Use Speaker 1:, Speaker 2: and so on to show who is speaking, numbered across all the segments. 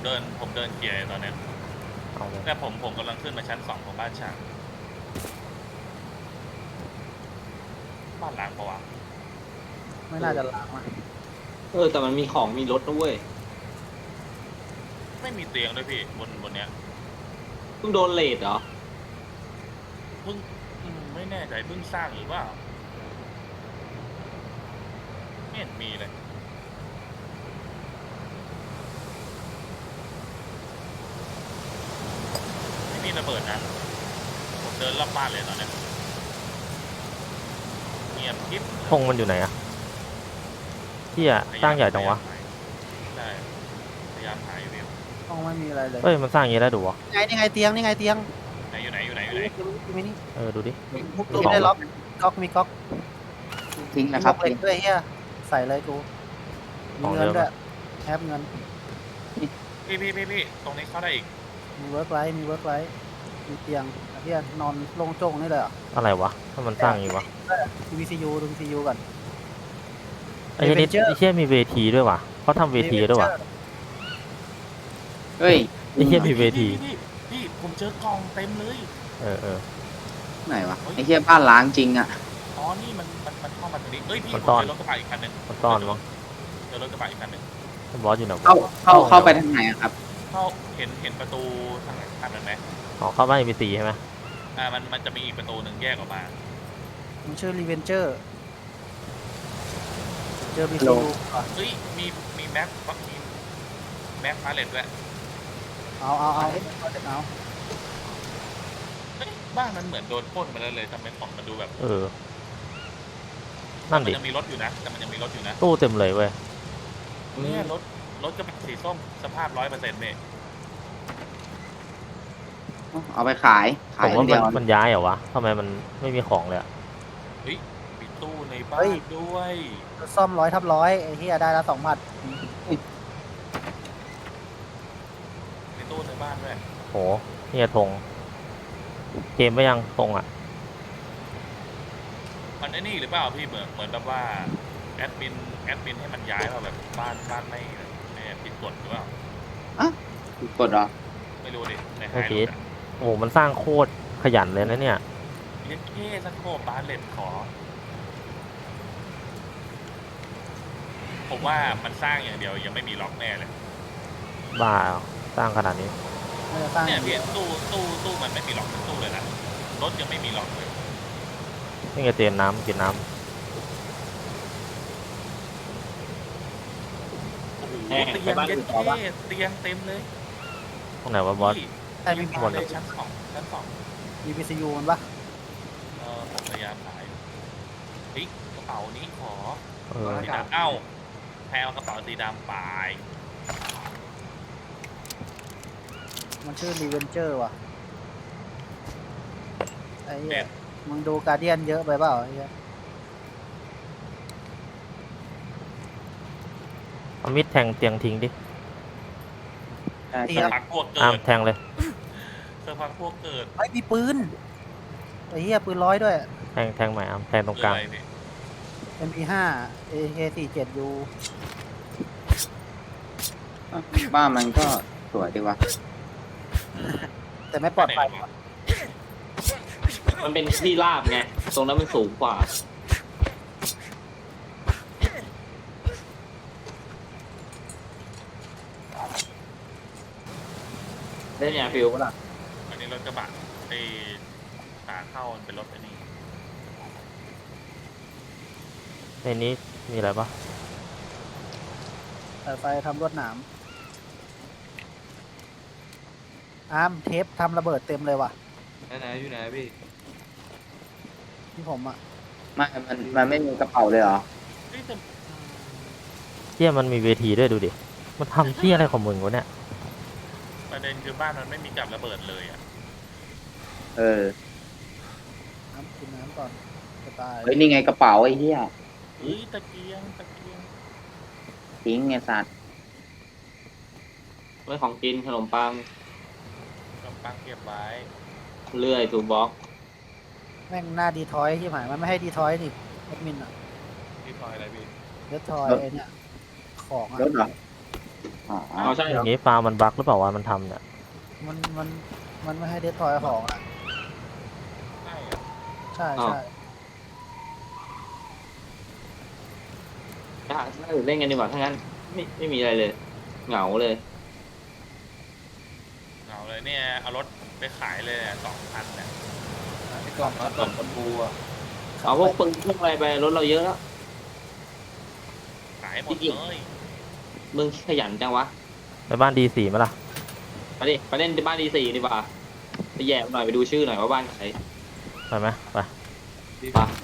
Speaker 1: ผมเดินเกียร์ตอนนี้
Speaker 2: เอาเลย
Speaker 1: แต่ผมกำลังขึ้นมาชั้น2ของบ้านฉางบ้านล้างปะวะ
Speaker 3: ไม่น่าจะล้างอะ
Speaker 4: แต่มันมีของมีรถด้วย
Speaker 1: ไม่มีเตียงด้วยพี่บนเนี้ย
Speaker 4: เพิ่งโดนเลทเหรอ
Speaker 1: เพิ่งไม่แน่ใจเพิ่งสร้างหรือว่าไม่เห็นมีเลยไม่มีระเบิดนะผมเดินรอบบ้านเลยตอนเนี้ยเงียบกิ๊บ
Speaker 2: ธงมันอยู่ไหนอะที่อะสร้างใหญ่จังวะ
Speaker 1: ใช่พยายามหาอยู่พี่
Speaker 3: ห้องไม่มีอะไรเลย
Speaker 2: เฮ้ยมันสร้างอย่างนี้ได้ดูวะ
Speaker 3: นี่ไงเตียงนี่ไงเตียง
Speaker 1: ไหนอยู่ไหน
Speaker 3: มีนี่
Speaker 2: ดูดิ
Speaker 3: มีได้ล็อกก๊อกมีก๊อก
Speaker 5: ทิ้งนะครับ
Speaker 3: มีเหล็กด้วยเฮียใส่เลยกูมีเงินด้วยแอปเงิน
Speaker 1: พี่ตรงนี้เข้าได้อีก
Speaker 3: มีเวิร์กไลท์มีมีเตียงเฮียนอนโล่งโจ้งนี่เลยเหรอ
Speaker 2: อะไรวะถ้ามันสร้างอย่างนี้วะ
Speaker 3: ดู VCU ดู VCU ก่อน
Speaker 2: ไอ้นี่ไอ้เชี่ยมีเวทีด้วยวะเขาทำเวทีด้วยวะ
Speaker 5: เฮ้ย
Speaker 2: ไอ้เชี่ยมีเวที
Speaker 1: พี่ผมเจอกล่องเต็มเลย
Speaker 2: เออ
Speaker 5: ไหนวะไอ้เหี้ยบ้านล้างจริงอ่ะ
Speaker 1: อ๋อนี่มันเข้ามาตรงนี้เอ้ยพี่
Speaker 2: มัน
Speaker 1: ผม
Speaker 2: ซ่อน
Speaker 1: เจอรถกระบะอีกคันหนึ่ง
Speaker 2: มันต้อนมั้ง
Speaker 1: เจอรถกระบะอีกคันหนึ่ง
Speaker 2: บอสอยู่ไหนวะ
Speaker 5: เข้าไปทางไหนอะครับ
Speaker 1: เห็นประตูทางคันนั้นไหม
Speaker 2: อ๋อเข้าบ้านมีสีใช่ไหม
Speaker 1: มันจะมีอีกประตูหนึ่งแยกออกมา
Speaker 3: มันชื่อรีเวนเจอร์เจอ VCU ก่อน
Speaker 1: เฮ้ยมีแม็กพาเลตด้วย
Speaker 3: เอาเ
Speaker 1: ฮ้ยบ้านมันเหมือนโดนปล้นมาแล้วเลยทำไมของมันดูแบบ
Speaker 2: นั่น
Speaker 1: มั
Speaker 2: ดิ
Speaker 1: ยังมีรถอยู่นะแต่มันยังมีรถอยู่นะ
Speaker 2: ตู้เต็มเลยเว้ย
Speaker 1: เนี่ยรถกระบะสีส้มสภาพ100%เนี่ย
Speaker 5: เอาไปขาย
Speaker 2: ผ
Speaker 5: ขาย
Speaker 2: ม
Speaker 5: อั
Speaker 2: ว่าน
Speaker 5: เดียว
Speaker 2: มันย้ายเหรอวะทำไมมันไม่มีของเลยอะ
Speaker 1: มีตู้ในบ้านด้วย
Speaker 3: ซ่อม100/100ไอ้เฮียได้ละ2,000
Speaker 1: มีตู้ในบ้านด้วย
Speaker 2: โหเนี่ยธงเกมไปยังธงอะ
Speaker 1: มันไอ้นี่หรือเปล่าพี่เหมือนแบบว่าแอดมินให้มันย้ายมาแบบบ้านไม่ผิดกฎหรือเปล่า
Speaker 5: กดเหรอ
Speaker 1: ไม่รู้ดิในไฮ
Speaker 2: ไม่
Speaker 1: โล
Speaker 2: ผิด
Speaker 1: ดอะ
Speaker 2: โอ้โหมันสร้างโคตรขยันเลยนะเนี่ย
Speaker 1: เรียกเท่สักโคบบาสเลตขอ ผมว่ามันสร้างอย่างเดียวยังไม่มีล็อกแน่เลย
Speaker 2: บ้าเหรอสร้างขนาดนี้
Speaker 3: ไม่จะสร้าง
Speaker 1: เนี่ยพี่ตู้มันไม่มีล็อกเป็นตู้เลยนะรถยังไม่มีล็อกเลย
Speaker 2: นี่ไงเตรียมน้ำกินน้
Speaker 1: โอ้โห
Speaker 4: แน่
Speaker 1: เตีย
Speaker 4: ไป
Speaker 1: ง
Speaker 4: บ้าน
Speaker 1: เย็
Speaker 4: อื่
Speaker 1: น
Speaker 4: นต่อปะ
Speaker 1: เท่เตียงเต็มเลย
Speaker 2: ำตรงไหนวะบอส
Speaker 1: พี่
Speaker 3: ใช่มี
Speaker 1: บ้านเลยชั้นสอง
Speaker 3: มี VCU มันปะ
Speaker 1: ผมพยายามหาอยู่เฮ้ยกระเป๋านี้ขอ
Speaker 2: เออ
Speaker 1: สีดำเอ้าแพลกระเป๋าสีดำไป
Speaker 3: มันชื่อรีเวนเจอร์ว่ะไอ้เหี้
Speaker 1: เด็
Speaker 3: ย
Speaker 1: ด
Speaker 3: มึงดูการเดียนเยอะไปเปล่าไอ้เหี้ย
Speaker 2: เอามิดแทงเตียงทิ้งดิ
Speaker 3: เตี
Speaker 1: สั
Speaker 3: ย
Speaker 1: ก
Speaker 3: ง
Speaker 1: พักพวกเกิ
Speaker 2: อ้าม
Speaker 1: ด
Speaker 2: แทงเลย
Speaker 1: สักพักพวกเกิด
Speaker 3: ไอ้ยมีปืนไอ้เหี้ยปืน100ด้วย
Speaker 2: แทงใหม่อ้ามแทงตรงกลาง
Speaker 1: คืออะไรพี่
Speaker 3: MP5 AK47U
Speaker 5: บ้านมันก็สวยดีวะ
Speaker 3: แต่ไม่ปลอดภัย
Speaker 4: มันเป็นที่ราบไง ตรงนั้นมันสูงกว่า ได้เนี่ยฟิลปะล่ะ
Speaker 1: อันนี้รถกระบะไอ้ขาเข้ามันเป็นรถไอ้นี่
Speaker 2: ในนี้มีอะไรปะ
Speaker 3: สายไฟทำลวดหนามอาร์มเทปทำระเบิดเต็มเลยว่ะ
Speaker 4: ไหนอยู่ไหนพี่
Speaker 3: ที่ผมอ่ะ
Speaker 5: มันไม่มีกระเป๋าเลยเหรอ
Speaker 1: เฮ้ยแต่
Speaker 2: เที่ยมันมีเวทีด้วยดูดิมันทำเที่ยอะไรของมึงวะเนี่ย
Speaker 1: ประเด็นคือบ้านมันไม่มีกับระเบิดเลยอ่ะ
Speaker 5: เออ
Speaker 3: น้ำกินน้ำก่อนจะตาย
Speaker 5: เฮ้ยนี่ไงกระเป๋าไอ้เหี้ย
Speaker 1: เฮ้ยตะเกียง
Speaker 5: ทิ้งไงสัตว์
Speaker 4: ไว้ของกินขนมปัง
Speaker 1: กำปังเก็บไว้
Speaker 4: เลื่อยทูบ็อก
Speaker 3: แม่งหน้าดีทอยที่หมายมันไม่ให้ดีทอยนี่แอดมินอ่ะ
Speaker 1: ที่พลอยอะไรพี่
Speaker 3: เดทอยไอ้เนี่ยของอ่ะ
Speaker 5: รถเหรออ๋อ
Speaker 4: เอาใช่
Speaker 2: อ
Speaker 4: เหรอย่าง
Speaker 2: งี้ฟาร์มมันบั๊กหรือเปล่าวะมันทำเนี่ย
Speaker 3: มันไม่ให้เดสทอยของอ่ะ
Speaker 1: ใช่อะ
Speaker 3: ใช่ใช่
Speaker 4: ถ้าอื่นเล่นกันดีกว่าถ้างั้นไม่มีอะไรเลย เหงาเลย
Speaker 1: เอาเลยเนี่ยเอารถไปขายเลย2,000เนี่ย
Speaker 6: ไอ้กล่องกล่องตะปูอ่ะ
Speaker 4: เอาพวกปืนพวกอะไรไปรถเราเยอะแล้ว
Speaker 1: ขายหมดเลย
Speaker 4: มึงขยันจังวะ
Speaker 2: ไปบ้านดีสี่ไหมล่ะ
Speaker 4: ไปดิไปเล่นที่บ้านD4ดีกว่าไปแย่หน่อยไปดูชื่อหน่อยว่าบ้านใคร
Speaker 2: ไปไหมไป
Speaker 4: ปะ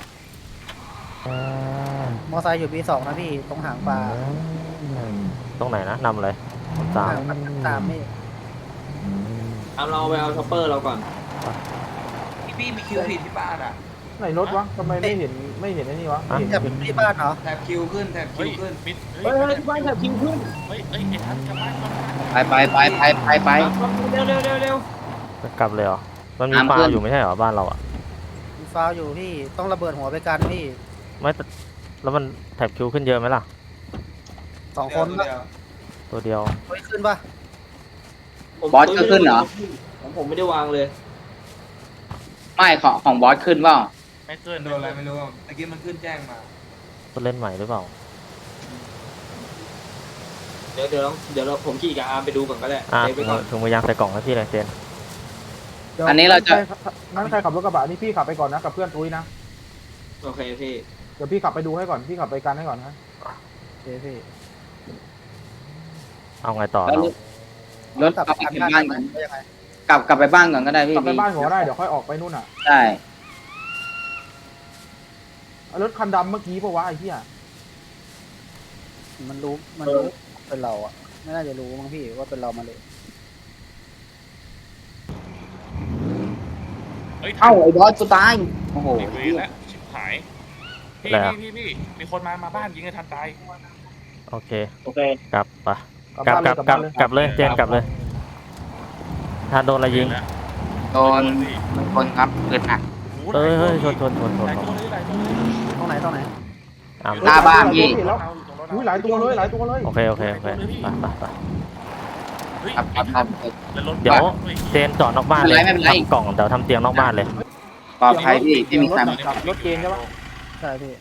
Speaker 3: มอไซค์อยู่ B2 นะพี่ตรงหางปลา
Speaker 2: ตรงไหนนะนำเลยสาม
Speaker 3: หางปลาตามพี่
Speaker 4: เอาเราไปเอาช็อปเปอร์เราก่อน
Speaker 6: พี่มีคิวผิดที่บ้านอ่ะ
Speaker 7: ไหนรถวะทำไมไม่เห็นไอ้นี่วะไม่เห็น
Speaker 3: แบบที่บ้านเหรอ
Speaker 6: แถบคิวขึ้นแถบคิ
Speaker 1: เฮ้
Speaker 6: วย ขึ้น
Speaker 1: มิด
Speaker 4: เฮ้ยที่บ้านแถบคิวขึ้น
Speaker 1: เฮ้ยไอ้ทันกลับบ้านก่อน
Speaker 5: ไป
Speaker 4: เร็วเร็วเร็วเร็ว
Speaker 2: จะกลับเลยเหรอมันมี
Speaker 5: น้ำ
Speaker 2: ฟา
Speaker 5: ขึ้
Speaker 2: ร์ม
Speaker 5: น
Speaker 2: อยู่ไม่ใช่เหรอบ้านเราอ่ะ
Speaker 3: มีฟาวอยู่พี่ต้องระเบิดหัวไปกันพี่
Speaker 2: ไม่แต่แล้วมันแถบคิวขึ้นเยอะไหมล่ะ
Speaker 3: 2 คน
Speaker 6: เดี
Speaker 3: ปะ
Speaker 6: ยว
Speaker 2: ตัวเดียว
Speaker 3: เฮ้ยขึ้นปะ
Speaker 5: บอสก็ขึ้นเหรอ
Speaker 4: ของผมไม่ได้วางเลย
Speaker 5: ไม่ของบอสขึ้นเปล่า
Speaker 1: ไม่เกิน
Speaker 6: โดนอะไรไม่รู้อะเมื่อกี้มันขึ้นแจ้งมา
Speaker 2: ตัวเล่นใหม่หรือเปล่า
Speaker 4: เดี๋ยวเราผมขี่กับอาร์มไปดูก่อนก็ได้
Speaker 2: อ่ะ
Speaker 4: เซฟไปก่อน
Speaker 2: ถุงมือยางใส่กล่องให้พี่เลยเจน
Speaker 7: ดี๋ยว
Speaker 5: อันนี้เราจะ
Speaker 7: งั้นใครขับรถกระบะนี่พี่ขับไปก่อนนะกับเพื่อนตุ้ยนะ
Speaker 4: โอเคพี่
Speaker 7: เดี๋ยวพี่ขับไปดูให้ก่อนพี่ขับไปกันให้ก่อนนะ
Speaker 3: โอเคพี่
Speaker 2: เอาไงต่อ
Speaker 5: แล้ว
Speaker 2: เรา
Speaker 5: รถกลับไปบ้านก่อน
Speaker 3: ได้ยังไง
Speaker 5: กลับไปบ้านก่อนก็ได้พี่
Speaker 7: กลับไปบ้านผมก็ได้เดี๋ยวค่อยออกไปนู่นอ่ะ
Speaker 5: ใช่
Speaker 7: รถคันดำเมื่อกี้ปะวะไอ้เหี้ย
Speaker 3: มันรู้เป็นเราอ่ะไม่น่าจะรู้มั้งพี่ว่าเป็นเรามาเลย
Speaker 1: เฮ้ย
Speaker 5: เอ้าไอ้บอสกูตายโอ้โห
Speaker 1: ไอ้เวรแล้วชิบหายพี่มีคนมาบ้านยิงไอ้ทันตาย
Speaker 2: โอเค
Speaker 4: โอเค
Speaker 2: กลับไป
Speaker 7: กลับ
Speaker 2: กลับ
Speaker 7: บ้าน
Speaker 2: กลับ
Speaker 7: เลย
Speaker 2: กลับเลยเจนกลับเลยถ้าโดนอะไรยิง
Speaker 1: แล้ว
Speaker 5: โดนคนครับเกิดหนัก
Speaker 2: เฮ้ยชน
Speaker 1: หลายตัวเลยหลายตัวเลย
Speaker 3: ตรงไหน
Speaker 2: อ่ะ
Speaker 5: หน้าบ้านพี่
Speaker 7: เห็นแล้วอุ้ยหลายตัวเลยหลายตัวเลย
Speaker 2: โอเคไปไป
Speaker 1: เฮ้ย
Speaker 5: ครับ
Speaker 1: แล้วรถ
Speaker 2: เดี๋ยวเจนจอดนอกบ้านเลย
Speaker 5: ไม่เป็นไร
Speaker 2: ทำกล่องเดี๋ยวทำเตียงนอกบ้านเลย
Speaker 5: ปลอดภัยพี่ไม่มีใครมา
Speaker 7: รถเกณฑ์ใช่ปะ
Speaker 3: ใช่พี่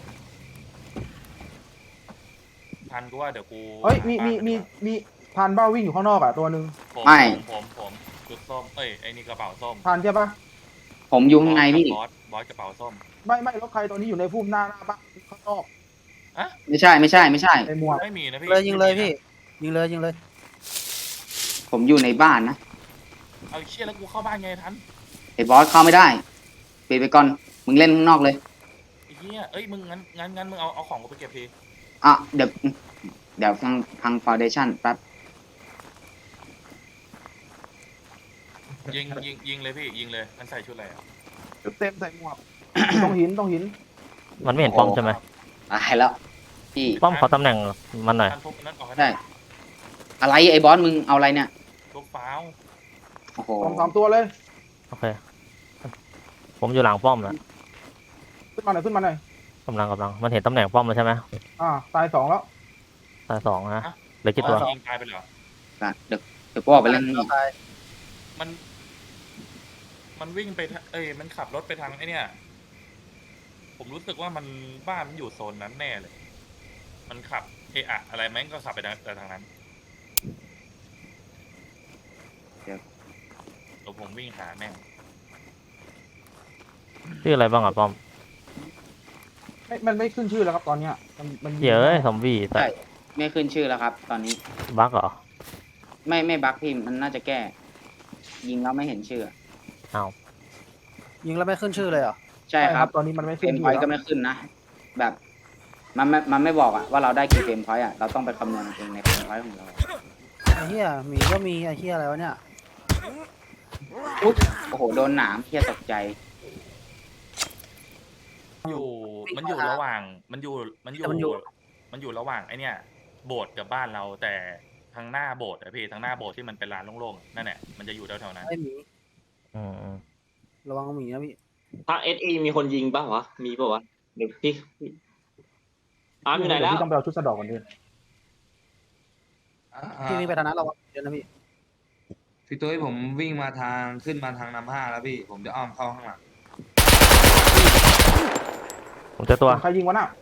Speaker 1: ทันกูว่าเดี๋ยวกู
Speaker 7: เฮ้ยมีทานเบ้าวิ่งอยู่ข้างนอกอ่ะตัวหนึ่ง
Speaker 1: ผมชุดส้มเอ้ยไอ้นี่กระเป๋าส้ม
Speaker 7: ทานใช่ปะ
Speaker 5: ผมอยู่ข้างในพี่
Speaker 1: บอสกระเป๋าส้ม
Speaker 7: ไม่รถใครตัวนี้อยู่ในพุ่มหน้าบ้านข้างนอก
Speaker 5: ไม่ใช่
Speaker 7: ในหมวก
Speaker 1: ไม่มีนะพี่
Speaker 3: เลยยิงเลยพี่ยิงเลย
Speaker 5: ผมอยู่ในบ้านนะ
Speaker 1: เอาเชี่ยแล้วกูเข้าบ้านไงทัน
Speaker 5: ไอ้บอสเข้าไม่ได้ปิดไปก่อนมึงเล่นข้างนอกเลย
Speaker 1: ไอ้เหี้ยเอ้ยมึงงั้นมึงเอาของกูไปเก็บที
Speaker 5: อ่ะเดี๋ยวพังฟาวเดชั่นแป๊บ
Speaker 1: ยิงเลยพี่ยิงเลยมันใส่ชุดอะไรอ่ะ
Speaker 7: เต็มใส่หมวกต้องหิน
Speaker 2: มันไม่เห็นป้อมใช่ไหม
Speaker 5: ตายแล้วพี่
Speaker 2: ป้อมขอตำแหน่งมันหน่อย
Speaker 1: ทันทุบนั้นออกให้
Speaker 5: ใช่อะไรไอ้บอสมึงเอาอะไรเนี่ย
Speaker 1: ทุบฟ้าว
Speaker 5: โอ้โห
Speaker 7: สามตัวเลย
Speaker 2: โอเค ผมอยู่หลังป้อมนะ
Speaker 7: ขึ้นมาหน่อย
Speaker 2: กำลังมันเห็นตำแหน่งป้อมแล้วใช่ไหม
Speaker 7: ตาย2แล้ว
Speaker 2: ตาย2นะเหลือกี่ตัว
Speaker 1: ยิงตายไปเหรอ
Speaker 5: เดี๋ยวกูออกไปเล่นข้างนอก
Speaker 3: ตาย
Speaker 1: มันวิ่งไปมันขับรถไปทางไอ้เนี่ยผมรู้สึกว่ามันบ้านมันอยู่โซนนั้นแน่เลย มันขับอะไรแม่งก็ขับไปทางนั้นเดี๋ยวผมวิ่งหาแม่ง
Speaker 2: ชื่ออะไรบ้างอ่ะป้อม
Speaker 7: มันไม่ขึ้นชื่อแล้วครับตอนเนี้ยมัน
Speaker 2: เดี๋ยวซอมบี้แต่
Speaker 5: ใช่ไม่ขึ้นชื่อแล้วครับ ตอนนี้
Speaker 2: บั๊กเหรอ
Speaker 5: ไม่บั๊กพี่มันน่าจะแก้ ยิงแล้วไม่เห็นชื่อ
Speaker 2: อ้าว
Speaker 3: ยิงแล้วไม่ขึ้นชื่อเลยเหรอ
Speaker 5: ใช่ครับ
Speaker 7: ตอนนี้มันไม่
Speaker 5: เฟ
Speaker 7: ขึ้
Speaker 5: ร
Speaker 7: น
Speaker 5: ม
Speaker 7: ชื่
Speaker 5: พ
Speaker 7: อ
Speaker 5: อยต์
Speaker 7: แล้ว
Speaker 5: ก็ไม่ขึ้นนะ แบบมันไม่บอกอะว่าเราได้กี่เฟรมพอยต์อะเราต้องไปคำนวณเองในเฟรมพอยต์ของเรา
Speaker 3: ไอ้เหี้ยหมีก็มีไอ้เหี้ยอะไรวะเนี่ย
Speaker 5: อุ๊ยโอ้โหโดนหนามเพี้ยตกใจ
Speaker 1: มันอยู่ระหว่างมันอยู่ระหว่างไอเนี่ยโบสถ์กับบ้านเราแต่ทางหน้าโบสถ์อะพี่ทางหน้าโบสถ์ที่มันเป็นลานโล่งๆนั่นแหละมันจะอยู่แถวๆนั้น
Speaker 3: ไอ้หมี
Speaker 2: อืม
Speaker 3: ระวังหมีนะพี่
Speaker 4: ถ้าSE มีคนยิงป่ะวะมีป่ะวะเดี๋ยวพี่อาร์มอยู่ไหนแล้ว
Speaker 7: พี่ต้องไปเอาชุดสะดอกก่อนดิ
Speaker 3: พี่วิ่งไปทางนั้นเราเดี๋ยวนะพี่
Speaker 6: พี่ตุ้ยผมวิ่งมาทางขึ้นมาทางนำห้าแล้วพี่ผมจะอ้อมเข้าข้างหลัง
Speaker 2: ผมเจอตัว
Speaker 7: ใครยิงวะน่ะ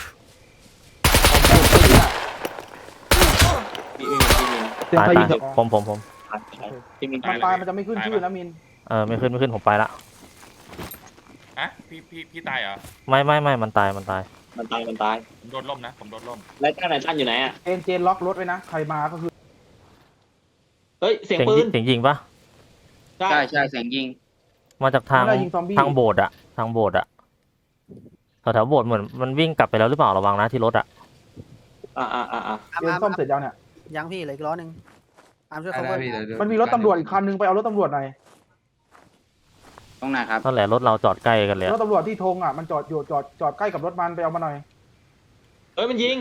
Speaker 4: พี่มินพี่มิน
Speaker 7: เสียง
Speaker 2: ตาย
Speaker 7: ใครยิ
Speaker 2: ตาง ย
Speaker 7: เถอะ
Speaker 2: ผม
Speaker 4: พี่มิน
Speaker 7: มันตายมันจะไม่ขึ้นชื่อนะมิน
Speaker 2: ไม่ขึ้นผมไปละ
Speaker 1: อะพี่ตายเหรอ
Speaker 2: ไม่มันตาย
Speaker 4: มันตายมันตาย
Speaker 1: ผมโดนล่มนะผมโดนล่ม
Speaker 4: แล้วตั้นไหนตั้นอยู่ไหนอ่ะ
Speaker 7: เจนล็อกรถไว้นะใครมาก็คือ
Speaker 4: เฮ้ยเสียง
Speaker 2: เสียง
Speaker 4: ปื
Speaker 2: ยิ
Speaker 4: น
Speaker 2: งเสียงยิงปะ
Speaker 4: ใช่
Speaker 5: ใช่เสียงยิง
Speaker 2: มาจากทาง
Speaker 7: ไม่ได้ยิงซอมบี้
Speaker 2: ทางโบสถ์อะทางโบสถ์อะแถวโบสถ์เหมือนมันวิ่งกลับไปแล้วหรือเปล่าระวังนะที่รถอะ
Speaker 4: อ่า
Speaker 7: เจนซ่อมเสร็จยังเนี่ย
Speaker 3: ยังพี่เหลืออีกล้อหนึ่งอาร์มช่วย
Speaker 6: ได้
Speaker 3: เขา
Speaker 6: ได้
Speaker 3: เว้ย
Speaker 6: พี่เดี๋ยว
Speaker 7: มันมีรถตำรวจอีกคันนึงไปเอารถตำรวจหน่อย
Speaker 5: ตรงไหนครับ
Speaker 2: นั่นแหละรถเราจอดใกล้กันเลย
Speaker 7: ร
Speaker 2: อะ
Speaker 7: ถตำรวจที่ธงอ่ะมันจอดอยู่จอดใกล้กับรถมันไปเอามาหน่อย
Speaker 4: เฮ้ยมันยิง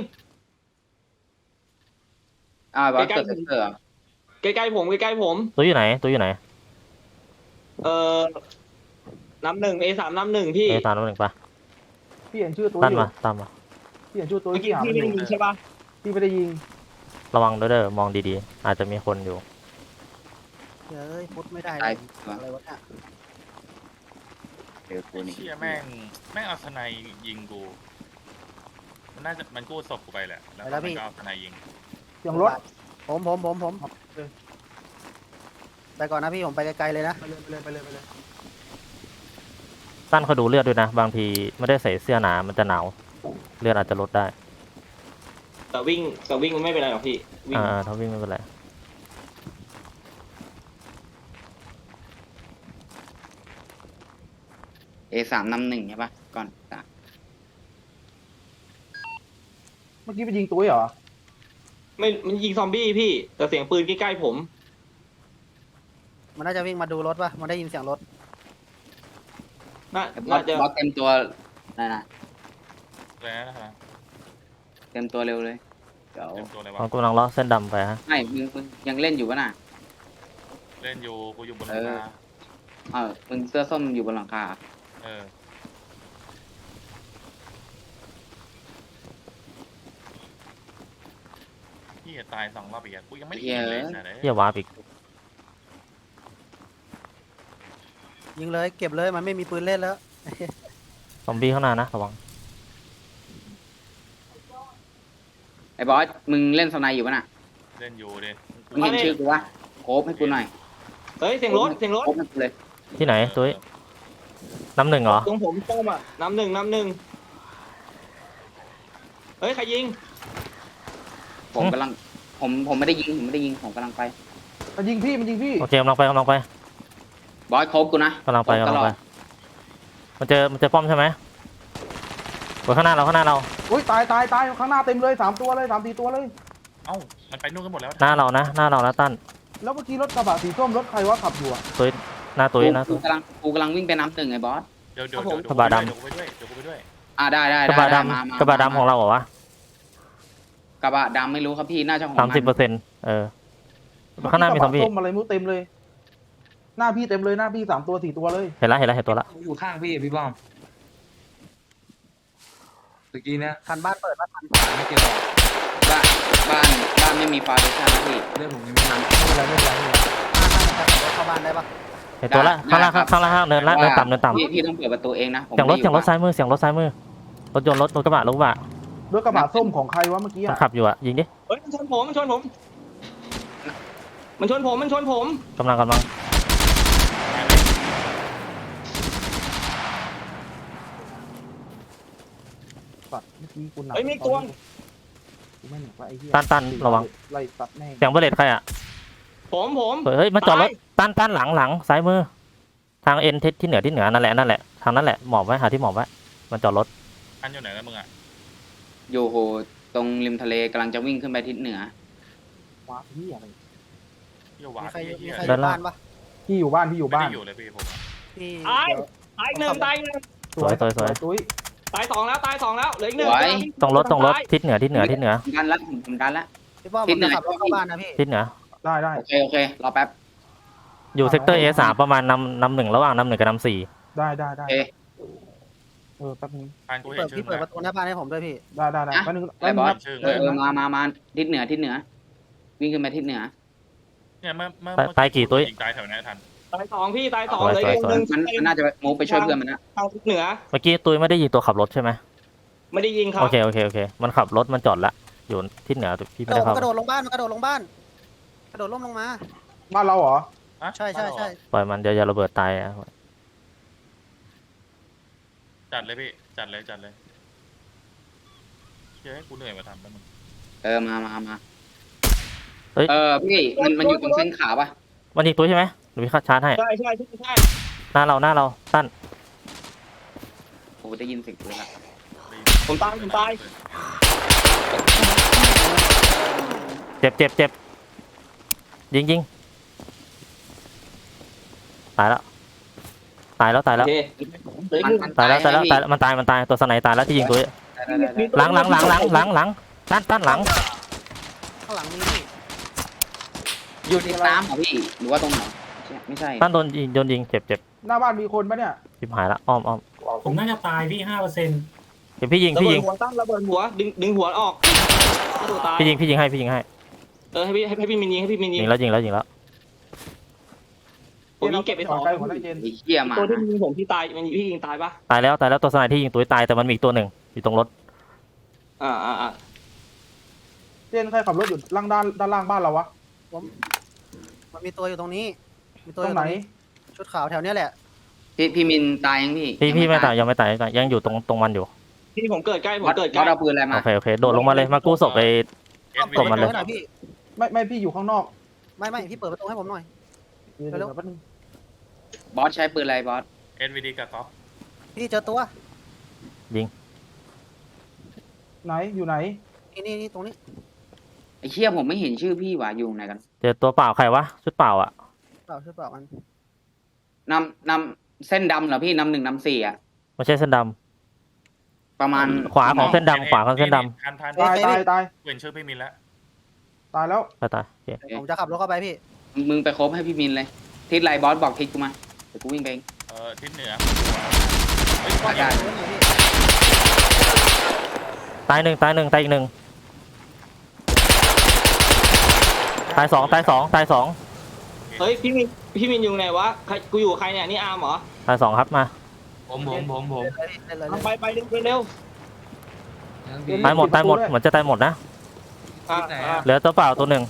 Speaker 5: บอส
Speaker 4: ใกล้
Speaker 5: เกิด
Speaker 4: ๆ
Speaker 5: เซอร์
Speaker 4: ใกล้ๆผมใกล้ๆผม
Speaker 2: ตัวอยู่ไหน
Speaker 4: น้ำหนึ่ง A3 น้ำหนึ่งพี่
Speaker 2: ตามรถหนึ่งปะ
Speaker 7: พี่เห็นชื่อตัว
Speaker 2: ตั้น
Speaker 7: อยู่
Speaker 2: มาตามมา
Speaker 7: พี่เห็นชื่อตัว
Speaker 4: เมื่อกี้
Speaker 7: ที่หา
Speaker 4: พี่
Speaker 7: มัน
Speaker 4: ไม่
Speaker 7: อ
Speaker 4: ได้
Speaker 7: ยู่
Speaker 4: ยิงใช่ปะ
Speaker 7: พี่ไม่ได้ยิง
Speaker 2: ระวังด้วยเด้อมองดีๆ อาจจะมีคนอยู่
Speaker 3: เฮ้ยพุทธไม่ได้
Speaker 5: ตาย
Speaker 3: อะไรวะเนี่ย
Speaker 5: เดี๋ยวกูนี่
Speaker 1: เชี่ยแม่งเอาสไนยิงกูมันกู้ศพกูไปแหละแล้วมันก็เอาสไนยิง
Speaker 7: เสียงรถ
Speaker 3: ผมไปก่อนนะพี่ผมไปไกลๆเลยนะ
Speaker 7: ไปเลย
Speaker 2: ตั้นเขาดูเลือดด้วยนะ บางทีไม่ได้ใส่เสื้อหนามันจะหนาวเลือดอาจจะลดได้
Speaker 4: แต่วิ่งมันไม่เป็นไรหรอกพี่วิ่ง
Speaker 2: ถ้าวิ่งไม่เป็นไร
Speaker 5: A3 นำหนึ่งใช่ปะก่อนสาม
Speaker 7: เมื่อกี้ไปยิงตัวเหรอ
Speaker 4: ไม่มันยิงซอมบี้พี่ แต่เสียงปืนใกล้ๆผม
Speaker 3: มันน่าจะวิ่งมาดูรถป่ะมันได้ยินเสียงรถ
Speaker 4: น่า
Speaker 5: บอ
Speaker 4: น่า
Speaker 5: ส
Speaker 4: จะ
Speaker 5: บอสเต็มตัวนั่นนะ
Speaker 1: แล้วนะครับ
Speaker 5: เต็มตัวเร็วเลยเดี๋ยว
Speaker 1: เต็มตัวเลย
Speaker 2: เรา
Speaker 1: วะ
Speaker 2: กำลังเลาะเส้นดำไปฮะ
Speaker 5: ไม่มึงยังเล่นอยู่ปะน่ะ
Speaker 1: เล่นอยู่กูอยู่บนหลังคา
Speaker 5: มึงเสื้อส้มอยู่บนหลังคา
Speaker 1: พี่ตาย2 รอบอีกกูยังไม่ได้ยิงเลยนะ
Speaker 2: เยี่ยวาร์ปอีก
Speaker 3: ยิงเลยเก็บเลยมันไม่มีปืนเล่นแล้ว
Speaker 2: ซอมบี้ข้างหน้านะระวัง
Speaker 5: ไอ้บอสมึงเล่นสไนอยู่ปะน่ะ
Speaker 1: เล่นอยู่ดิ
Speaker 5: มึงเห็นชื่อกูวะโคบให้กูหน่อย
Speaker 4: เฮ้ยเสียงรถ
Speaker 5: โคบให้กูเลย
Speaker 2: ที่ไหนตุ้ยน้ำหนึ่งเหรอ
Speaker 4: ตรงผมต้มอ่ะน้ำหนึ่งเฮ้ยใครยิง
Speaker 5: ผมกำลังผมไม่ได้ยิงผมกำลังไป
Speaker 7: มันยิงพี่
Speaker 2: โอเคกำลังไป
Speaker 5: บอสโคบกูนะ
Speaker 2: กำลังไป
Speaker 5: ตลอด
Speaker 2: มันเจอป้อมใช่ไหมไว้ข้างหน้าเรา
Speaker 7: อุ้ยตายข้างหน้าเต็มเลย3 ตัวเลย3-4 ตัวเลย
Speaker 1: เอ้ามันไปนู่นกันหมดแล้ว
Speaker 2: หน้าเรานะตั้น
Speaker 7: แล้วเมื่อกี้รถกระบะสีส้มรถใครวะขับอยู่อะ
Speaker 2: หน้าตุ้ย
Speaker 5: กูกำลังวิ่งไปน้ำหนึ่งไอ้บอส
Speaker 1: เดี๋ยวกูไปด้วย
Speaker 5: ได้
Speaker 2: กระบะ
Speaker 5: ม
Speaker 2: ดำกระบะดำของเราเหรอวะ
Speaker 5: กระบะดำไม่รู้ครับพี่น่าจะของ
Speaker 2: 30%ข้างหน้ามีซอมบี้
Speaker 7: ส้มอะไรมูเต็มเลย หน้าพี่เต็มเลยหน้าพี่3 ตัว 4 ตัวเลย
Speaker 2: เห็นตัวละ
Speaker 6: อยู่ข้างพี่พี่ป้อมตะกี้เนี่ย
Speaker 3: คันบ้านเปิดป่ะคัน
Speaker 6: ไม่เกี่ยวหรอก
Speaker 5: บ้านไม่มีฟาร์เดชั่นนะพี่
Speaker 6: เรื่องผมยังไม่ทำ
Speaker 7: ไม่เป็นไร
Speaker 3: รถเข้าบ้านได้ป่ะ
Speaker 2: เห็นตัวละข้างล่างเนินต่ำ
Speaker 5: พี่ต้องเปิดประตูเองนะผม
Speaker 2: เสียงรถซ้ายมือรถยนต์รถกระบะ
Speaker 7: รถกระบะส้มของใครวะเมื่อกี้
Speaker 2: มัน
Speaker 7: อะ
Speaker 2: ขับอยู่อะยิงดิ
Speaker 4: เฮ้ยมันชนผม
Speaker 2: กำลัง
Speaker 7: สัตว์เมื่อกี้กูหนัก
Speaker 4: เฮ้ยมีตัว
Speaker 7: กูไม่หนักละไอ้เหี้ย
Speaker 2: ตั้นระวัง
Speaker 7: ไล่ตัดแม่ง
Speaker 2: เสียงเบลเลตใครอะ
Speaker 4: ผม
Speaker 2: เฮ้ยมาจอดรถตั้นหลังซ้ายมือ ทางเอ็นที่เหนือนั่นแหละทางนั้นแหละหมอบไว้หาที่หมอบไว้มันจอดรถ
Speaker 1: อันอยู่ไหนกันมึงอ่ะ
Speaker 5: อยู่โหตรงริมทะเลกำลังจะวิ่งขึ้นไปทิศเหนือ
Speaker 7: ว้าพี่อะไร
Speaker 1: เยี่ยวหวา
Speaker 3: มี
Speaker 1: น
Speaker 3: ใครอยู่
Speaker 1: เยี่ย
Speaker 3: บ้านป่ะ
Speaker 7: พี่อยู่บ้าน
Speaker 1: ไม่ได้อยู่เลยพี่ผม
Speaker 3: พี่
Speaker 4: ตายหนึ่ง
Speaker 2: สวย
Speaker 7: ตุ้ย
Speaker 4: ตายสองแล้วเหลืออีกหนึ่ง
Speaker 2: ตรงรถทิศเหนือ
Speaker 5: ผมดันละ
Speaker 3: พี่ป้อมผมจะขับรถเข้าบ้านนะพี่
Speaker 2: ทิศเหนือ
Speaker 7: ได้
Speaker 5: โอเครอแป๊บ
Speaker 2: อยู่เซกเตอร์ A3 ประมาณนำหนึ่งระหว่างนำหนึ่งกับนำสี่
Speaker 7: ได้
Speaker 5: โอเค
Speaker 7: แป๊บนึง
Speaker 1: อันกูเห็นชื่
Speaker 3: พี่
Speaker 1: อ
Speaker 3: เปิดประตูหน้าบ้านให้ผมด้วยพี่
Speaker 7: ได้แป๊บนึง
Speaker 5: ไอ้บอส
Speaker 1: ชื่อ
Speaker 5: มาทิศเหนือวิ่งขึ้นไปทิศเหนือ
Speaker 1: เนี่ยเมื่อ
Speaker 2: ตายกี่ตัว
Speaker 1: ยิงตายแถวนี้ทัน
Speaker 4: ตายสองพี่ตายสอง
Speaker 2: สวย
Speaker 4: เลย
Speaker 2: สวย
Speaker 4: หนึ่ง
Speaker 5: มันน่าจะมูฟไปช่วยเพื่อนมันนะ
Speaker 4: ทางทิศเหนือ
Speaker 2: เมื่อกี้ตุ้ยไม่ได้ยิงตัวขับรถใช่ไหม
Speaker 4: ไม่ได้ยิงครับ
Speaker 2: โอเคโอเคโอเคมันขับรถมันจอดละอยู่ที่เหนือพี่ไม่ได้เข้าก
Speaker 3: ระโดดลงบ้านกระโดดลงบ้านกระโดดล่มลงมา
Speaker 7: บ้านเราเหรอ
Speaker 1: อะ
Speaker 3: ใช่
Speaker 2: ปล่อยมันเดี๋ยวอย่าระเบิดตายอะ
Speaker 1: จัดเลยพี่จัดเลยเฮ้ยกูเหนื่อยมาทำแล้วมึง
Speaker 5: มาพี่มันอยู่ตรงเส้นขาวปะ
Speaker 2: มันยิงตุ้ยใช่ไหมหรือพี่ชาร์จให้
Speaker 4: ใช่ใช่ใช่
Speaker 2: หน้าเราตั้น
Speaker 5: โอ้ได้ยินเสียงปืนละ
Speaker 4: ผมตาย
Speaker 2: เจ็บยิงตายแล้ว
Speaker 4: โอเคเหลืออีกหนึ่ง
Speaker 2: ตายแล้วมันตายตัวสไนตายแล้วที่ยิงตุ้ยหลังตั้นหลัง
Speaker 3: ข้างหลังมีพี่
Speaker 5: อยู่ในน้ำเหรอพี่หรือว่าตรงไหนไม่ใช่
Speaker 2: ตั้นโดนยิงเจ็บ
Speaker 7: หน้าบ้านมีคนปะเนี่ย
Speaker 2: ชิบหายละอ้อม
Speaker 8: ผมน่าจะตายพี่5%
Speaker 2: เดี๋ยวพี่ยิง
Speaker 4: ระเบิดหัวตั้งระเบิดหัวดึงหัวออกตัวตาย
Speaker 2: พี่ยิงให้
Speaker 4: ให้พี่มินยิง
Speaker 2: ยิงแล้ว
Speaker 4: ผมยิงเก็บไปสอง
Speaker 7: ใกล้หัวได้เจน
Speaker 5: ไอ้เหี้ยมา
Speaker 4: ตัวที่ยิงผมพี่ตายมันพี่ยิงตายปะ
Speaker 2: ตายแล้วตัวสไนที่ยิงตุ้ยตายแต่มันมีอีกตัวหนึ่งอยู่ตรงรถ
Speaker 7: เจนใครขับรถอยู่ล่างด้านล่างบ้านเราวะ
Speaker 3: มันมีตัวอยู่ตรงนี้มีตัว
Speaker 7: ต
Speaker 3: อ
Speaker 7: รง
Speaker 3: ยู่
Speaker 7: ไหน
Speaker 3: ชุดขาวแถวเนี้ยแหละ
Speaker 5: พี่มินตายยังพี่
Speaker 2: พี่ไม่ตายยังไม่ตายยังอยู่ตรงมันอยู่
Speaker 4: พี่ผมเกิดใกล้
Speaker 5: วัดเอาปืนอะไรมา
Speaker 2: โอเคโดดลงมาเลยมากู้ศพไป กดมันเลย
Speaker 3: หน่อยพี่
Speaker 7: ไม่พี่อยู่ข้างนอก
Speaker 3: ไม่พี่เปิดประตูให้ผมหน่อย
Speaker 7: เดี๋ยวแป๊บนึง
Speaker 5: บอสใช้ปืนอะไรบอส
Speaker 1: NVD กับก๊อฟ
Speaker 3: พี่เจอตัว
Speaker 7: ไหนอยู่ไหน
Speaker 3: นี่ตรงนี้
Speaker 5: ไอ้เชี่ยผมไม่เห็นชื่อพี่ว่ะอยู่ไหนกัน
Speaker 2: เจอตัวเปล่าใครวะชุดเปล่าอ่ะ
Speaker 3: ชุดเปล่ามัน
Speaker 5: นำเส้นดำเหรอพี่นำ1 นำ 4อ่ะ
Speaker 2: ไม่ใช่เส้นด
Speaker 5: ประมาณ
Speaker 2: ำขวาของเส้นดำขวาของเส้นด
Speaker 1: ทัน
Speaker 7: ตาย
Speaker 1: เห็นชื่อพี่มินแล้ว
Speaker 7: ตายแล้ว
Speaker 2: ำตายโอเค
Speaker 3: ผมจะขับรถเข้าไปพี่
Speaker 5: มึงไปคบให้พี่มินเลยทิศไรบอสบอกทิศกูมาเดี๋ยวกูวิ่งไปเอง
Speaker 1: ทิศเหนือ
Speaker 5: ได้
Speaker 2: ตายหนึ่งตายอีกหนึ่งตายสอง
Speaker 4: เฮ้ยพี่มินอยู่ไหนวะกูอยู่ใครเนี่ยนี่อาร์มเหรอ
Speaker 2: ตายสองครับมา
Speaker 6: ผม
Speaker 4: ไปเร็ว
Speaker 2: ตายหมดเหมือนจะตายหมดนะเหลือตัวเปล่าตัวหนึ่ง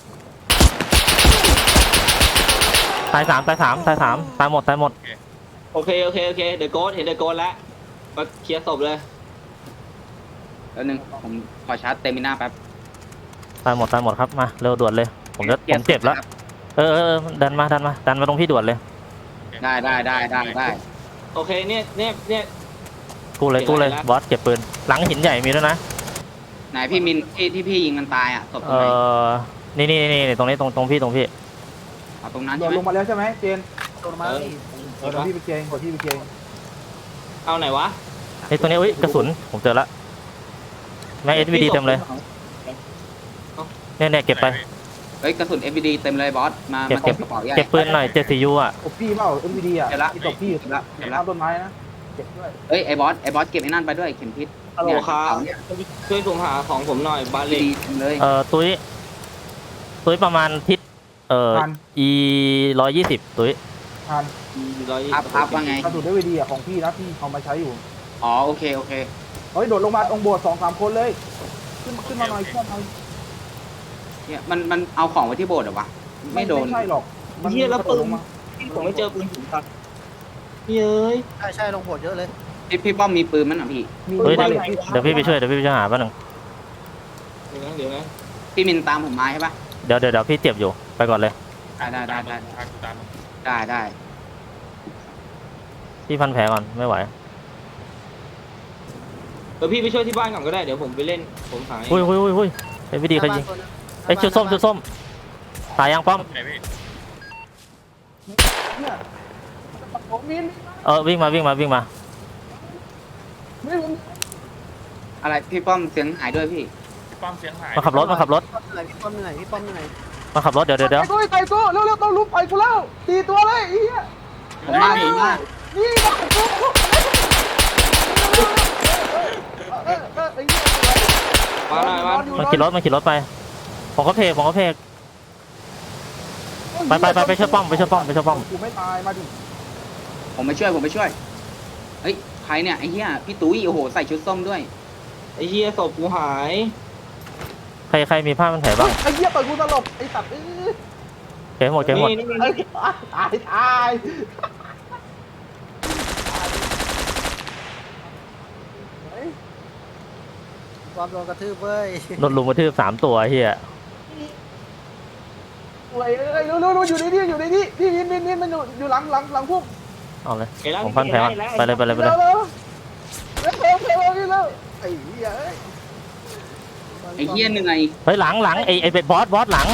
Speaker 2: ตายสามตายหมด
Speaker 4: โอเคเดอะโกสเห็นเดอะโกสแล้วมาเคลียร์ศพเลย
Speaker 5: แล้วนึงผมขอชาร์จเตมิน่าแป๊บ
Speaker 2: ตายหมดครับมาเร็วด่วนเลยผมเจ็บแล้วดันมาตรงพี่ด่วนเลย
Speaker 5: ได้
Speaker 4: โอเคเนี่ย
Speaker 2: กู้เลยบอสเก็บปืนหลังหินใหญ่มีด้วยนะ
Speaker 5: ไหนพี่มินที่พี่ยิงมันตายอ่ะศพตรงไหน
Speaker 2: นี่ตรงนี้ตรงพี่
Speaker 5: เอาตรงนั้น
Speaker 7: โด
Speaker 5: ใช่
Speaker 7: ด
Speaker 5: ไหม
Speaker 7: ลงมาแล้วใช่ไหมเจน
Speaker 3: โดนมาพี่
Speaker 7: เดี๋ยวพี่ไปเกงเดี๋ยวพี่ไปเกง
Speaker 4: เอาไหนวะ
Speaker 2: ไอ้ตัวนี้อุ้ยกระสุนผมเจอละแม่ง SVD เต็มเลยเนี่ยเก็บไป
Speaker 5: เฮ้ยกระสุน FPD เต็มเลยบอสมา
Speaker 2: เก็บ
Speaker 5: กระเป๋าใหญ่
Speaker 2: เก็บปืนหน่อย74U อ่ะ
Speaker 7: ตบพี่เปล่า MVD อ่ะ
Speaker 5: เดี๋ยวละ
Speaker 7: ตบพี่
Speaker 5: เดี๋ยวละ
Speaker 7: ข้ามต้นไม้นะเก็บด้วย
Speaker 5: เฮ้ยไอ้บอสเก็บไอ้นั่นไปด้วยเข็มทิศ
Speaker 4: ฮัลโหลครับช่วยส่งหาของผมหน่อยบาเล็ก
Speaker 5: ดีเลย
Speaker 2: ตุ้ยประมาณทิศ
Speaker 7: ทัน
Speaker 2: E 120ตุ้ย
Speaker 7: ทัน
Speaker 5: พับว่าไง
Speaker 7: กระสุน MVD อ่ะของพี่นะพี่เอามาใช้อยู่
Speaker 5: อ๋อโอเค
Speaker 7: เฮ้ยโดดลงมาตรงโบสถ์2-3 คนเลยขึ้นมาหน่อย
Speaker 5: เนี่ยมันเอาของไว้ที่โบสถ์เหรอวะไม่โดน
Speaker 7: ไม่ใช่หรอก
Speaker 4: เฮียแล้วปืน
Speaker 7: ลงมา
Speaker 4: ผมไม่เจอปืนผมครับเย้ย
Speaker 3: ใช่ลงโหดเยอะเลย
Speaker 5: พี่ป้อมมีปืนมั้ยน่ะพี่
Speaker 7: มี
Speaker 2: เฮ้ย
Speaker 7: บ้านเล็ก
Speaker 2: เดี๋ยวพี่ไปช่วยหาแป๊บนึง
Speaker 4: เดี๋ยวนะ
Speaker 5: พี่มินตามผมมาใช่ปะ
Speaker 2: เดี๋ยวพี่เจ็บอยู่ไปก่อนเลย
Speaker 5: ได้
Speaker 1: ตาม
Speaker 5: ได้
Speaker 2: พี่พันแผลก่อนไม่ไหว
Speaker 4: พี่ไปช่วยที่บ้านก่อนก็ได้เดี๋ยวผมไปเล่นผมหา
Speaker 2: อุ้ยไอ้วิดีใครยิงไอ้ชุดส้มตายยังป้อม
Speaker 1: ไหนพี่
Speaker 7: เนี่ยผมมิน
Speaker 2: วิ่งมา
Speaker 7: ไม่ผม
Speaker 5: อะไรพี่ป้อมเสียงหายด้วยพี่
Speaker 1: ป้อมเสียงหาย
Speaker 2: มาขับรถ
Speaker 3: พี่ป้อมเหนื่อย
Speaker 2: มาขับรถเดี๋ยว
Speaker 7: ไต่กูเร็วต้องลุกไปกูแล้ว4 ตัวเลยไอ้เหี้ย
Speaker 5: ผมมาผมมา
Speaker 7: นี่นะไอ้เหี้ย
Speaker 4: มาหน่อยมา
Speaker 2: มันขี่รถไปผมก็เพกไปช่วยป้อมไปช่วยป้อมไปช่วยป้อม
Speaker 7: กูไม่ตายมาดิ
Speaker 5: ผมไปช่วยเฮ้ยใครเนี่ยไอ้เหี้ยพี่ตุ้ยโอ้โหใส่ชุดส้มด้วย
Speaker 4: ไอ้เหี้ยศพกูหาย
Speaker 2: ใครมีผ้ามันแผลบ้าง
Speaker 7: ไอ้เหี้ยเปิดกูสลบไอ้สัตว์
Speaker 2: เก็บหมด
Speaker 4: นี่นี่
Speaker 7: ไอ้
Speaker 4: นี่
Speaker 7: ตาย
Speaker 3: ความโดนกระทืบเว้ย
Speaker 2: โดนลุมกระทืบ3 ตัวเฮีย
Speaker 7: โอ้ยเอ้ยรู้อยู่ในนี่พี่มินมันอยู่หลังพวก
Speaker 2: เอาเลย
Speaker 4: เห็นแล้ว
Speaker 2: ผมพันแผลก่อนไปเลย
Speaker 7: เร็วไอ้เหี้ย
Speaker 5: ไอ้เหี้ยเหนื่อย
Speaker 2: เฮ้ยหลังไอ้บอสหลัง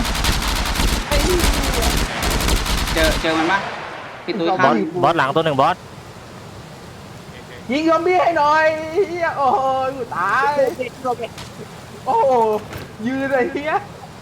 Speaker 5: เจอมันปะพี่ตุ้ย
Speaker 2: บ
Speaker 5: ข้า
Speaker 2: อ
Speaker 5: ม
Speaker 2: สหลังตัวหนึ่งบอส
Speaker 7: ยิงซอมบี้ให้หน่อยเหี้ยโอ้ยกูตายโอ้ยืนไอ้เหี้ย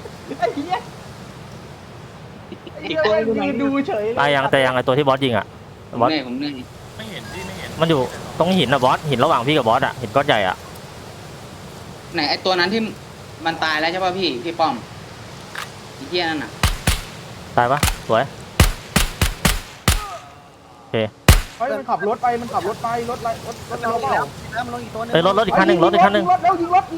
Speaker 7: ยืนดูเฉย
Speaker 2: ตายยังไอ้ตัวที่บอสยิงอ่ะ
Speaker 5: ผม
Speaker 2: บอส
Speaker 5: เหนื่อย
Speaker 1: ไม่เห็นพี่ไม่เห็น
Speaker 2: มันอยู่ตรงหินนะบอสหินระหว่างพี่กับบอสอ่ะหินก้อนใหญ่อ่ะ
Speaker 5: ไหนไอ้ตัวนั้นที่มันตายแล้วใช่ป่ะพี่ป้อมไอ้เหี้ยนั่นน่ะ
Speaker 2: ตายปะสวย
Speaker 7: เฮ้ยมันขับรถไปรถเราเปล่า
Speaker 3: มันลงอีกตัวนึง
Speaker 2: เอ้ยรถอีกคันหนึ่ง
Speaker 7: ยิงรถแล้วยิงรถ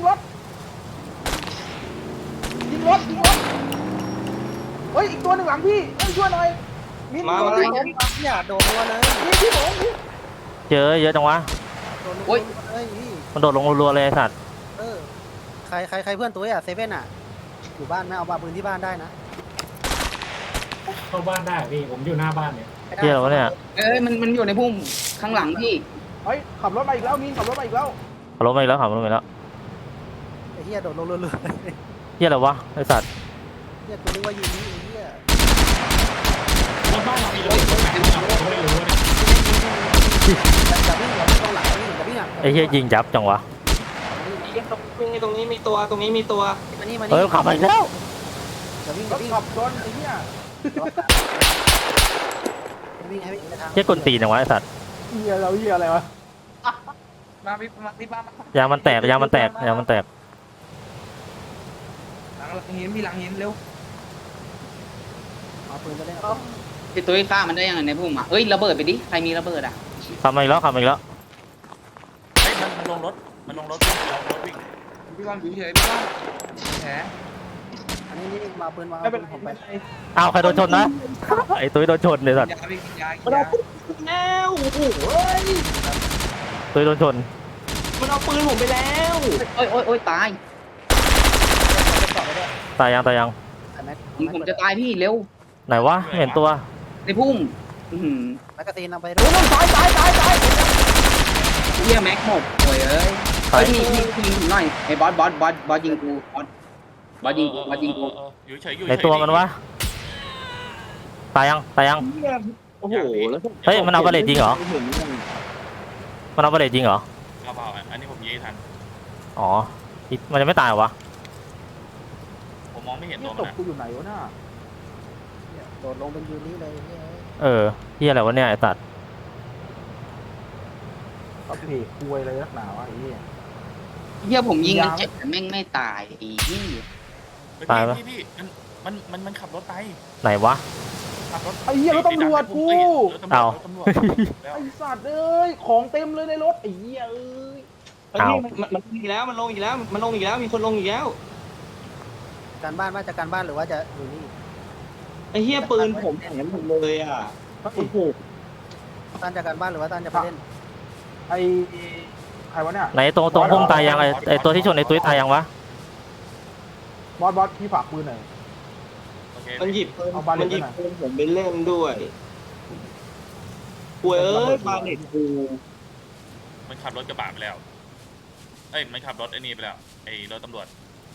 Speaker 7: เฮ้ยอีกตัวหนึ่งหลังพี่ช่วยหน่อยมิน
Speaker 4: มา
Speaker 7: ตัว
Speaker 4: มา
Speaker 7: นี้ผม
Speaker 3: เนี่ยโดนรัวเลย
Speaker 7: พี่ผม
Speaker 2: เจอเยอะจังวะ
Speaker 3: โดนรัวเลยพี่
Speaker 2: มันโดดลงรัวๆเลยไอ้สัตว์
Speaker 3: เออใครเพื่อนตัวอ่ะเซเว่นอ่ะอยู่บ้านไหมเอาปืนที่บ้านได้นะ
Speaker 8: เข้าบ้านได้พี่ผมอยู่หน้าบ้านเนี่ย
Speaker 2: เฮียอะไรวะเนี่ย
Speaker 5: เอ้ยมันอยู่ในพุ่มข้างหลังพี่
Speaker 7: เฮ้ยขับรถมาอีกแล้วมินขับรถมาอีกแล้ว
Speaker 2: ขับรถมาอีกแล้วขับรถมาอีกแล้ว
Speaker 3: ไอ้เหี้ยโดดลงเรื่อย
Speaker 2: เฮียอะไรวะไอ้สัตว์
Speaker 3: ๆเหี้ยกูนึกว่ายิงนี่ไอ้เหี้ย
Speaker 8: รถบ้านเรามีรถไหนเราไม่รู้เนี่ย
Speaker 3: อย่าวิ่งตรงหลังอย่าวิ่งอ่ะ
Speaker 2: ไอ้เฮียยิงยับจังวะ
Speaker 4: ตรงนี้มีตัวตรงนี้มีตัว
Speaker 3: มานี่
Speaker 2: เฮ้ยขับมาอีกแล้ว
Speaker 3: อย่าวิ่ง
Speaker 7: ร
Speaker 3: อย่า
Speaker 7: ถ
Speaker 3: วิ่ง
Speaker 7: ขับชนไอ้เหี้ย
Speaker 3: วิ่งให้วิ่งไปทาง
Speaker 2: เฮียกลตีนจังวะไอ้สัตว์
Speaker 7: เหี้ยอะไรวะ
Speaker 6: มาพี่มาที่บ้าน
Speaker 2: ยางมันแตก
Speaker 6: หลังหินมีหลังหินเร็ว
Speaker 3: เอาปืนไปเล่น
Speaker 5: พี่ตุ้ยฆ่ามันได้ยังไงในพุ่มอ่ะเอ้ยระเบิดไปดิใครมีระเบิดอ่ะ
Speaker 2: ขับมาอีกแล้ว
Speaker 1: เฮ้ยมันลงรถวิ่ง
Speaker 6: พี่บอลอยู่เฉยพี่บอลแผล
Speaker 3: อันนี้นี่มาปืนวาง
Speaker 7: ไม่เป็น
Speaker 3: ผมไป
Speaker 2: อ้าวใครโดนชนนะ ไอ้ตุ้ยโดนชนเลยสัตว์
Speaker 6: ยาพี่กินยา
Speaker 4: มันเอาปืนแล้วโอ้โหเฮ้ย
Speaker 2: ตุ้ยโดนชน
Speaker 4: มันเอาปืนผมไปแล้ว
Speaker 5: โอ้ยตาย
Speaker 2: ตายยัง
Speaker 5: ผมจะตายพี่เร็ว
Speaker 2: ไหนวะไม่เห็นตัว
Speaker 5: ในพุ่มอื้อหือ
Speaker 3: แมกกาซีนเอาไปด้
Speaker 7: โอ้
Speaker 3: วย
Speaker 7: ยตาย
Speaker 5: เหี้ยแม็กหมดโอ้ยเอ้ย
Speaker 2: ตาย
Speaker 5: เฮ้ยพี่ยิงผมหน่อยไอ้บอสยิงกูบอสยิงกู
Speaker 1: อยู่เฉยอยู่
Speaker 2: ในตัวมันวะ ตายยัง
Speaker 4: โอ้โหแล้ว
Speaker 2: เฮ้ยมันเอาบาเลตยิงเหรอ มันเอาบาเลตยิงเหรอ
Speaker 1: เอาเปล่าอันนี้ผมยิงให้ทัน
Speaker 2: อ๋อ มันจะไม่ตายเหรอวะ
Speaker 1: ผมมองไม่เห็น
Speaker 7: นี่
Speaker 1: ตัว
Speaker 7: ต
Speaker 1: มัน
Speaker 7: กกูอยู่ไหนวะน่ะ
Speaker 3: โดดลงเป็นยูนี้เลยเหี้ย
Speaker 2: เออเฮียอะไรวะเนี่ยไอ้สัตว์
Speaker 7: เอาเพจคุยอะไรนักหนาวะไอ้เหี้ย
Speaker 5: เหี้ยผมยิงมันเจ็บแต่แม่งไม่ตายไอ้เหี้ย
Speaker 1: พี่มันขับรถไป
Speaker 2: ไหนวะ
Speaker 1: ขับรถ
Speaker 7: ไอ้เหี้ยรถตำรวจกู
Speaker 2: เอา
Speaker 1: ตำรวจ
Speaker 7: ไอ้สัตว์เอ้ยของเต็มเลยในรถไอ้เหี้ยเอ้ย
Speaker 4: มันลงอีกแล้วมันลงอีกแล้วมีคนลงอีกแล้ว
Speaker 3: การบ้านว่าจะการบ้านหรือว่าจะอยู่นี่
Speaker 4: ไอ้เหี้ยปืนผมแหนหมดเลยอ่ะโอ้โห
Speaker 3: ตั้นจะการบ้านหรือว่าตั้นจะไปเล่น
Speaker 7: ไอ้ใครวะเนี่ย
Speaker 2: ไหนตรงพุ่มตายยังไอ้ตัวที่ชนไอ้ตุ้ยตายยังวะ
Speaker 7: บอสพี่ฝากปืนหน่อย
Speaker 1: โอเค
Speaker 4: มันหยิบ
Speaker 7: เอาบาเลต
Speaker 4: มันหยิบ
Speaker 7: ไปไหน
Speaker 4: ปืนผมไปเล่นด้วยป่วยเอ้ยบาเลตกู
Speaker 1: มันขับรถกระบะไปแล้วเอ้ยมันขับรถไอ้นี่ไปแล้วไอ้รถตำรวจ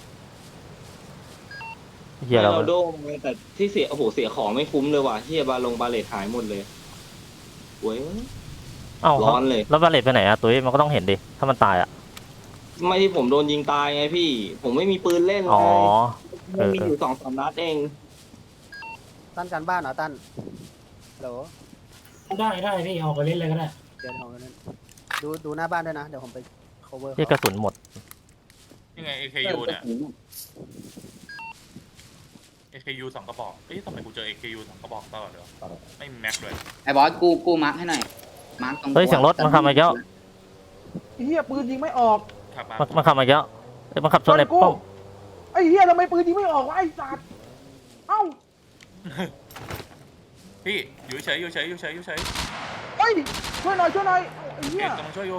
Speaker 2: เฮียอะไร
Speaker 4: เรา
Speaker 2: วะ
Speaker 4: โดนเลยแต่ที่เสียโอ้โหเสียของไม่คุ้มเลยว่ะเฮียบาเลตหายหมดเลยป่วย
Speaker 2: เอ้า
Speaker 4: ร้อนเลย
Speaker 2: แล้วบาเลตไปไหนอะตุ้ยมันก็ต้องเห็นดิ ถ้ามันตายอะ
Speaker 4: ไม่ที่ผมโดนยิงตายไงพี่ ผมไม่มีปืนเล่นเล
Speaker 2: อ๋อ
Speaker 4: ยมันมีอยู่2-3 นัดเอง
Speaker 3: ตั้นการบ้านเหรอตั้นโหล
Speaker 8: ได้พี่เอาไปเล่นเลยก็ได้
Speaker 3: เดี๋ยวผมไปเล่นดูหน้าบ้านด้วยนะเดี๋ยวผมไป cover
Speaker 2: เฮียกระสุนหมด
Speaker 1: ยังไง AKU เนี่ย AKU 2 กระบอกเอ้ยทำไมกูเจอ AKU 2 กระบอกตลอดเลยวะไม่มีแม็กเลย
Speaker 5: ไอ้บอสกูมาร์คให้หน่อยมาร์คตรง
Speaker 2: เฮ้ยเสียงรถมันขับมาเยอะ
Speaker 7: ไอ้เหี้ยปืนยิงไม่ออก
Speaker 1: ขับมา
Speaker 2: มันขับมาเยอะเอ้ยมันขับชนไอ้ป้อม
Speaker 7: ไอ้เหี้ยทำไมปืนยิงไม่ออกวะไอ้สัตว์เอ้า
Speaker 1: พี่อยู่เฉยอยู่เฉยอยู่เฉยอยู่เฉย
Speaker 7: เฮ้ยช่วยหน่อยไอ้
Speaker 1: เก
Speaker 7: เหี้ย
Speaker 1: มกำลังช่วยอยู่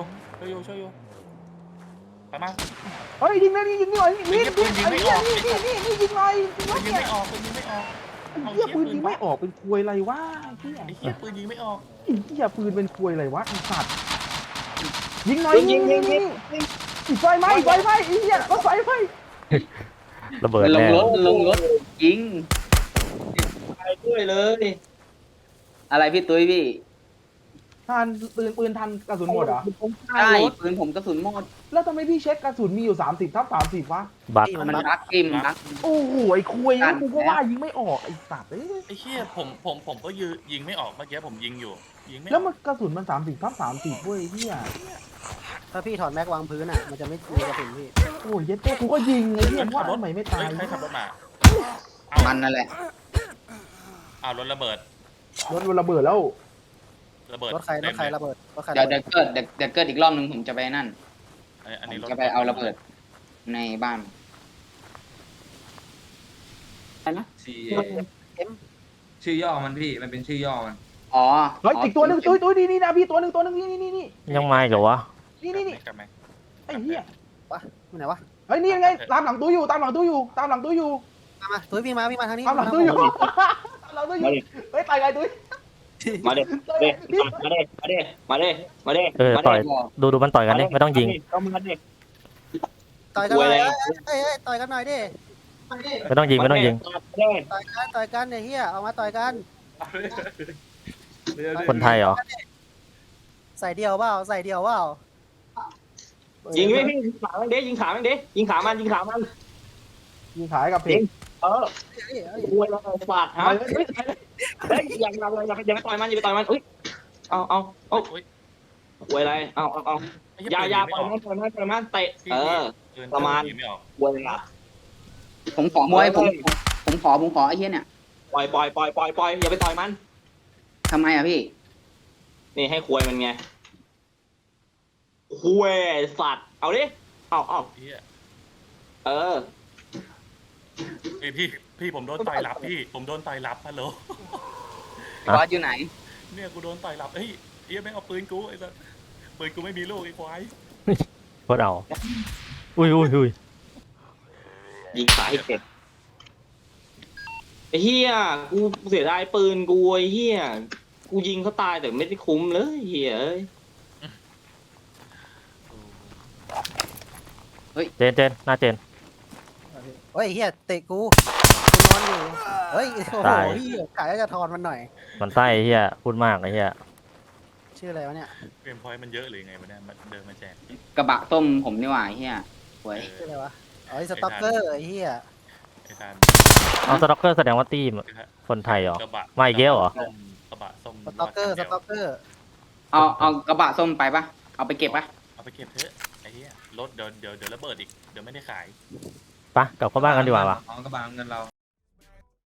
Speaker 1: ไปมา
Speaker 7: เฮ้ยยิงเลยยิงหน่อยนี่
Speaker 1: ไอ้เหี้ยปืนยิงไม่ออก
Speaker 7: นี่ยิงหน่อย
Speaker 1: ปืนยิงไม่ออกปืนยิงไม่ออก
Speaker 7: ไอ้เหี้ยปืนยิงไม่ออกเป็นควยอะไรวะไอ้เหี้ย
Speaker 1: ไอ้เหี้ยปืนยิงไม่ออก
Speaker 7: ไอ้เหี้ยปืนเป็นควยอะไรวะไอ้สัตว์ยิงหน่อยยิงอีกไฟไหมไอ้เหี้ยรถไฟไหม
Speaker 2: ระเบิด
Speaker 5: ลง
Speaker 2: แน่
Speaker 5: รถยิง
Speaker 4: ไปด้วยเลย
Speaker 5: อะไรพี่ตุ้ยพี่
Speaker 7: ทันปืนทันกระสุนหมดเหรอ
Speaker 5: ใช่ปืนผมกระสุนหมด
Speaker 7: แล้วทำไมพี่เช็คกระสุนมีอยู่30/30วะ
Speaker 2: บัก
Speaker 3: พี่
Speaker 5: มัน
Speaker 3: มัน
Speaker 5: รักกิมรัก
Speaker 7: โอ้โหไอ้ควยกูก็ว่ายิงไม่ออกไอ้สัตว์เอ้ย
Speaker 1: ไอ้เหี้ยผมก็ยิงไม่ออกเมื่อกี้ผมยิงอยู่ยิงไม่อ
Speaker 7: แล้
Speaker 1: อ
Speaker 7: ว
Speaker 1: ก
Speaker 7: มันกระสุนมัน30/30เว้ยเหี้ย
Speaker 3: ถ้าพี่ถอดแม็กวางพื้นอ่ะมันจะไม่มีกระสุนพี่
Speaker 7: โอ้ยเย็ดเต้กูก็ยิงไอ้เหี้ยว่าทำไมไม่ตาย
Speaker 1: ใครขับรถมา
Speaker 5: มันนั่นแหละ
Speaker 1: เอารถระเบิด
Speaker 7: รถมันระเบิดแล้ว
Speaker 1: ระเบิด
Speaker 3: รถใครระเบิดรถใคร
Speaker 5: เดี๋ยว
Speaker 3: ระเบิด
Speaker 5: เดี๋ยวเกิดอีกรอบนึงผมจะไปนั่น
Speaker 1: อัน
Speaker 5: ผ
Speaker 1: นี้
Speaker 5: ม
Speaker 1: รถ
Speaker 5: จะไปเอาระเบิดในบ้านอะไรนะ
Speaker 6: ชื่อย่อมันพี่มันเป็นชื่อย่อมัน
Speaker 5: อ๋อ
Speaker 7: เฮ้ยอีกตัวหนึงตุ้ยนี่นะพี่ตัวหนึงนี่
Speaker 2: ยังไม่เหรอวะ
Speaker 7: นี่
Speaker 1: กลับไหม
Speaker 7: ไอ้เหี้ย
Speaker 3: อยู่ไหนวะ
Speaker 7: เฮ้ยนี่ไงตามหลังตุ้ยอยู่ตามหลังตุ้ยอยู่
Speaker 3: มาตุ้ยพี่มาทางนี้
Speaker 7: ตามหลังตุ้ยอยู่เฮ้ยตายไงตุ้ย
Speaker 4: มาเด้มาเด้มาเด้มาเด้
Speaker 2: เออต่อยดูมันต่อยกันดิไม่ต้องยิง
Speaker 4: ก็มาเด้
Speaker 3: ต่อยกันหน่อยเอ้ยต่อยกันหน่อยดิ
Speaker 2: ไม่ต้องยิงไม่ต้องยิง
Speaker 3: ต่อยกันเนี่ยเฮียเอามาต่อยกัน
Speaker 2: คนไทยเหรอ
Speaker 3: ใส่เดียวเปล่าใส่เดียวเปล่า
Speaker 4: ยิงไม่พี่ยิงขามันเด้ยิงขามันเด้ยิงขามัน
Speaker 7: ยิงขายกับเพลง
Speaker 4: เออรวยแล้วปาดฮะเฮ้ยอย่าไปต่อยมันอย่าไปต่อยมันอุ้ยเอารวยอะไรเอาอย่าปล่อยมันเตะประมาณ
Speaker 1: ไม่ออก
Speaker 4: รวยอะไร
Speaker 5: ผมขอมวยผมขอไอ้เหี้ยเนี่ย
Speaker 4: ปล่อยอย่าไปต่อยมัน
Speaker 5: ทำไมอ่ะพี่
Speaker 4: นี่ให้ควยมันไงควยสัตว์เอาดิเอา
Speaker 1: เหี้ย
Speaker 4: เออ
Speaker 1: ไอพี่ผมโดนต่อยรับพี่ผมโดนต่อยรับฮัลโหล
Speaker 5: บอสอยู่ไหน
Speaker 1: เนี่ยกูโดนต่อยรับเฮ้ยเหี้ยแม่งเอาปืนกูไอ้สัสปืนกูไม่มีลูกไอ้ควาย
Speaker 2: โคตรเอาอุ้ย
Speaker 4: ยิงขาให้เสร็จไอ้เหี้ยกูเสียดายปืนกูไอ้เหี้ยกูยิงเขาตายแต่ไม่ได้คุ้มเลยเหี้ยเอ้ย
Speaker 2: เจนหน้าเจน
Speaker 3: เฮ้ยเฮียเตะกูนอนอยู่เฮ้ยโอ้โหเฮียกะจะทอนมันหน่อย
Speaker 2: มันไส้ไอ้เฮียพูดมากไอ้เฮีย
Speaker 3: ชื่ออะไรวะเนี่ย
Speaker 1: เกมพอยต์มันเยอะหรือไงวะเนี่ยมันเดินมาแจก
Speaker 5: กระบะต้มผมนี่หว่าไอ้เหี้ยหวย
Speaker 3: ชื่ออะไรวะอ๋อสต็อกเกอร์ไอ้เฮีย
Speaker 1: ไอ้ทาน
Speaker 2: เอาสต็อกเกอร์แสดงว่าตีมคนไทยเหรอก
Speaker 1: ระบะ
Speaker 2: มาอีกแล้วเหรอ
Speaker 1: กระบะส้ม
Speaker 3: สต็อกเกอร์
Speaker 5: เอากระบะส้มไปปะเอาไปเก็บปะ
Speaker 1: เอาไปเก็บเถอะไอ้เหี้ยรถเดี๋ยวระเบิดอีกเดี๋ยวไม่ได้ขาย
Speaker 2: ปะกลับเข้าบ้านกันดีกว่าปะ
Speaker 6: ของกระบะเงินเรา